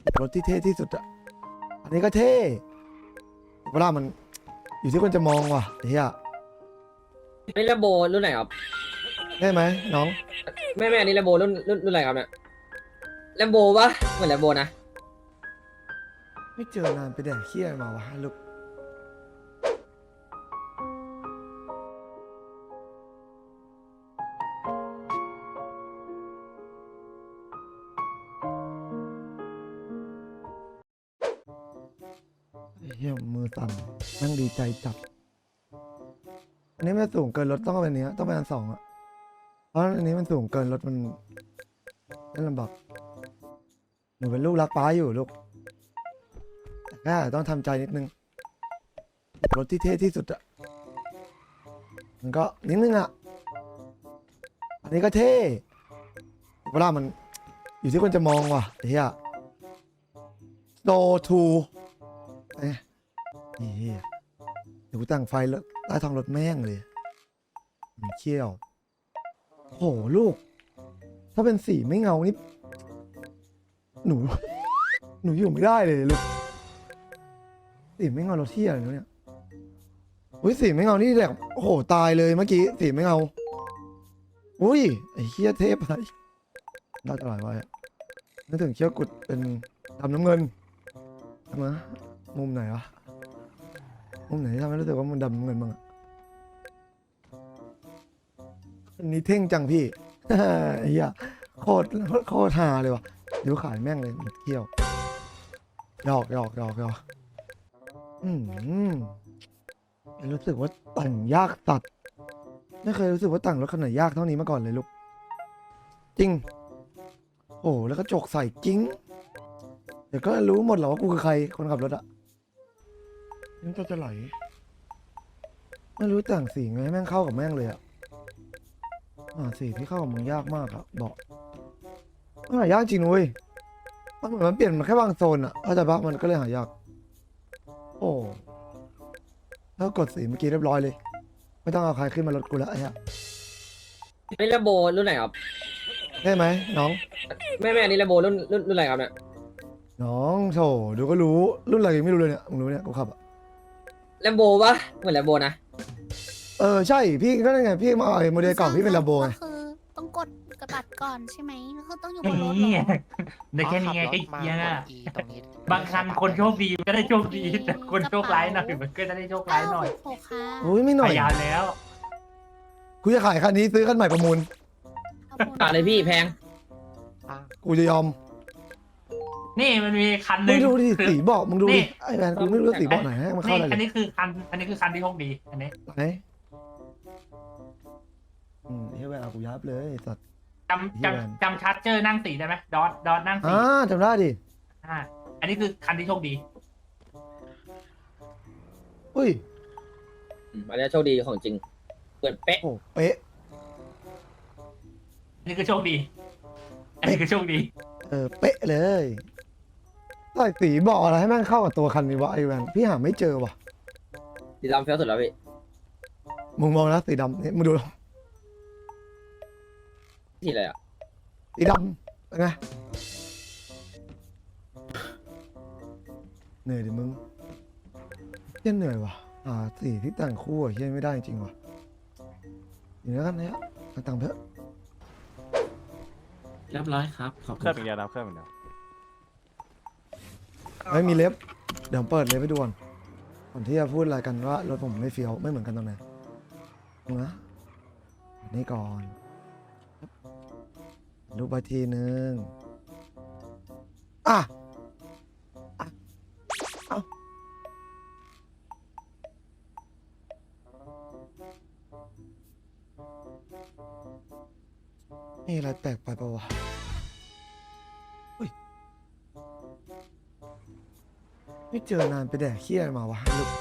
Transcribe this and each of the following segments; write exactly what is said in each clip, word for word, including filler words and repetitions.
รถที่เท่ที่สุดอะอันนี้ก็เท่เวลามันอยู่ที่คนจะมองว่ะเฮียนี่แลมโบรุ่นไหนครับได้ไหมน้องแม่แม่อันนี้แลมโบรุ่นรุ่นรุ่นอะไรครับเนี่ยแลมโบปะเหมือนแลมโบนะไม่เจอนานไปแดกเขี้ยมาวะลูกเฮียมือสั่นนั่งดีใจจัดอันนี้ไม่สูงเกินรถต้องเป็นอันนี้ต้องเป็นอันสองอะเพราะอันนี้มันสูงเกินรถมันเล่นลำบากหนูเป็นลูกรักป้าอยู่ลูกแต่แค่ต้องทำใจนิดนึงรถที่เท่ที่สุดอะมันก็นิดนึงอะอันนี้ก็เท่เวลามันอยู่ที่คนจะมองว่ะเฮียโซทูเอ้ยเฮียเดี๋ยวกูตั้งไฟแล้วใต้ท้องรถแม่งเลยมันเขี้ยวโหลูกถ้าเป็นสีไม่เงานี่หนูหนูอยู่ไม่ได้เลยลูกสีไม่เงารถเที่ยอะไรเนี่ยอุ้ยสีไม่เงานี่แบบโอ้โหตายเลยเมื่อกี้สีไม่เงาอุ้ยไอ้เขี้ยเทพอะไรน่าจะหลายไว้อะนึกถึงเขี้ยวกุดเป็นดำน้ำเงินทำไมมุมไหนวะมุมไหนที่ทำให้รู้สึกว่ามันดำน้ำเงินบ้างอะอันนี้เท่งจังพี่ ไอ้เหี้ยโคตรโคตรฮาเลยวะเดี๋ยวขายแม่งเลยเขี้ยวหยอกหยอกหยอกหยอกอืมรู้สึกว่าแต่งยากตัดไม่เคยรู้สึกว่าแต่งรถขนาดยากเท่านี้มาก่อนเลยลูกจริงโอ้แล้วก็จกใส่จริงเดี๋ยวก็รู้หมดหรอว่ากูคือใครคนขับรถอะนี่จะจะไหลไม่รู้แต่งสีไงให้แม่งเข้ากับแม่งเลยอะอ่าสีที่เข้ากับมึงยากมากอะบอกมันหายากจริงนุ้ยมันเหมือนมันเปลี่ยนมาแค่บางโซนอะเข้าใจปะมันก็เลยหายากโอ้แล้วกดสีเมื่อกี้เรียบร้อยเลยไม่ต้องเอาใครขึ้นมารถกูแล้วไอ้เหี้ยนี่แลมโบรุ่นไหนครับได้ไหมน้องแม่แม่อันนี้แลมโบรุ่นรุ่นรุ่นอะไรครับเนี่ยน้องโถดูก็รู้รุ่นอะไรยังไม่รู้เลยเนี่ยมึงรู้เนี่ยกูขับอะแลมโบปะเหมือนแลมโบนะเออใช่พี่ก็ได้ไงพี่มาเอาไอ้โมเดลเก่าพี่เป็นลาโบไงก็คือต้องกดกระบัดก่อนใช่ไหมก็คือต้องอยู่บนรถเหรนี่อในแค่นี้ไงก็มาเหี้ยกน่ะด E ตรงนี้บางคันคนโชคดีก็ได้โชคดีแต่คนโชคร้ายหน่อยมันก็จะได้โชคร้ายหน่อยโอ้ค่ะโอ้ยไม่หน่พอยยายามแล้วกูจะขายคันนี้ซื้อคันใหม่ประมูลอ่ะเลยพี่แพงอ่ะกูจะยอมนี่มันมีคันหมึนึ่งงดูดิคือสีเบอกมึงดูนี่ดิไอ้แมนกูไม่รู้ว่าสีเบอกไหนให้มันเข้านี่อะไรอันเลยนี้คือคันอันนี้คือคันที่โชคดีอันนี้ไหนอืมเฮ้ยแมนเอากูยับเลยไอ้สัตว์จำจำจำชาร์เจอร์นั่งสีได้ไหมดอทดอทนั่งสีอ่าจำได้ดิอ่าอันนี้คือคันที่โชคดีอุ้ยอืมอันนี้โชคดีของจริงเปิดเป๊ะโอ้เป๊ะอันนี้คือโชคดี อันนี้คือโชคดีเออเป๊ะเลยใส่สีเบอกอะไรให้แม่งเข้ากับตัวคันนี้วะไอ้แมนพี่หาไม่เจอว่ะสีดำเฟี้ยวสุดแล้วพี่มึงมองนะสีดำนี่มึงดูสีอะไรอ่ะสีดำเป็นไงเหนื่อยดิมึงเหี้ยเหนื่อยว่ะอ่าสีที่แต่งคู่อะเฮียไม่ได้จริงว่ะอย่างนี้กันเนี้ยเอาตังค์เถอะเรียบร้อยครับ ขอบเคคุรื่องณเป็นครับยาน้ำเครื่องเป็นยาไม่มีเล็บเดี๋ยวเปิดเล็บไปดูก่อนก่อนที่จะพูดอะไรกันว่ารถผมไม่เฟี้ยวไม่เหมือนกันตรงไหนดูนะนี่ก่อนรูปไปทีนึงอ่ะอ่ะเอานี่อะไรแปลกไปปะวะอุ้ยไม่เจอนานไปแดกเขี้ยอะไรมาวะลูก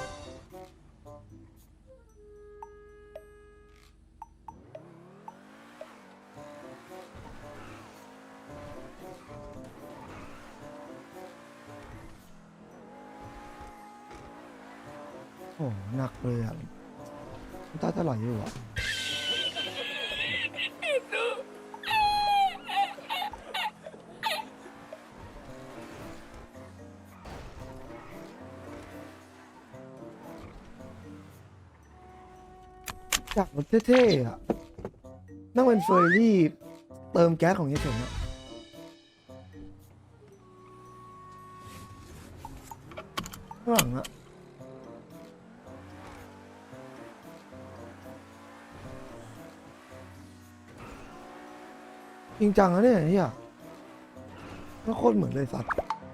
โอ้หนักเลยอ่ะน้ำตาจะไหลอยู่อ่ะอยากรถเท่ๆอ่ะนั่งเป็นเฟอร์รี่เติมแก๊สของเฮียเฉินอ่ะข้างหลังอ่ะจริงจังนะเนี่ยเฮียก็โคตรเหมือนเลยสัตว์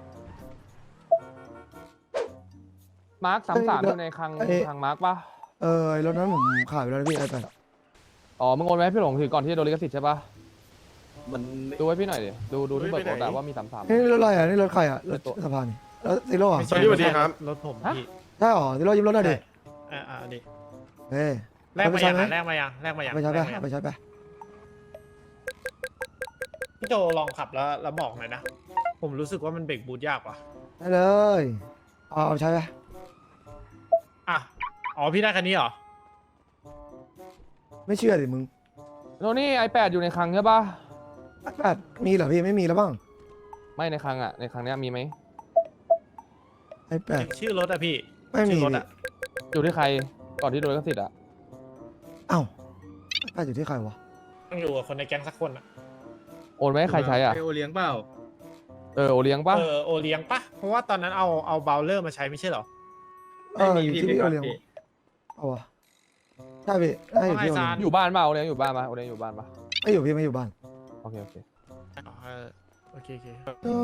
มาร์คสามสามเอ้ยอยู่ในคลังเอ้ยคลังมาร์คปะเออไอ้รถนั้นผมขายไปแล้วนะพี่ไอ้แปดอ๋อมึงโอนไว้ให้พี่หลงถือก่อนที่จะโดนลิขสิทธิ์ใช่ปะมันดูไว้พี่หน่อยดิดูดูที่เปิดโอนอะว่ามีสามสามนี่รถอะไรอ่ะนี่รถใครอ่ะรถตัวสะพานนี่แล้วซีโร่อ่ะสวัสดีสวัสดีครับรถผมฮะพี่ใช่หรอซีโร่ยิ้มรถหน่อยดิอ่าอ่าดิเฮ้ยแลกเอาไปมาใช้ยังไหมอ่ะแลกมายังแลกมายังไปใช้ไปแลกมายังไปใช้ไปพี่โจลองขับแล้วแล้วบอกหน่อยนะ ผมรู้สึกว่ามันเบรกบูทยากว่ะได้เลยเอาเอาใช้ไปอ่ะอ๋อพี่ได้คันนี้เหรอไม่เชื่อดิมึงโนนี่ไอแปดอยู่ในคลังใช่ปะไอ้แปดมีเหรอพี่ไม่มีแล้วบ้างไม่ในคลังอะในคลังเนี้ยมีไหมไอ้แปดชื่อรถอะพี่ไม่มีชื่อรถพี่อะอยู่ที่ใครก่อนที่โดนลิขสิทธิ์อะเอ้าไอ้แปดอยู่ที่ใครวะต้องอยู่กับคนในแก๊งสักคนอะโอนไว้ให้ใครใช้อะไอโอเลี้ยงเปล่าเออโอเลี้ยงปะเออโอเลี้ยงปะเพราะว่าตอนนั้นเอาเอาเบลเลอร์มาใช้ไม่ใช่เหรอเอออยู่ที่พี่เอาเลี้ยงเอาวะใช่พี่ได้อยู่ที่เอาเลี้ยงอยู่บ้านปะโอเลี้ยงอยู่บ้านปะโอเลี้ยงอยู่บ้านปะไม่อยู่พี่ไม่อยู่บ้านโอเคโอเคอ๋อเออโอเคโอเค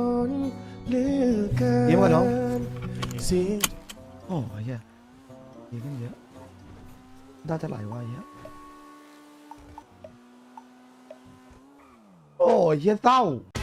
ยิ้มก่อนน้องโอ้ยเหี้ยดีขึ้นเยอะน่าจะไหลวายเยอะโอ้ยเฮียเศร้า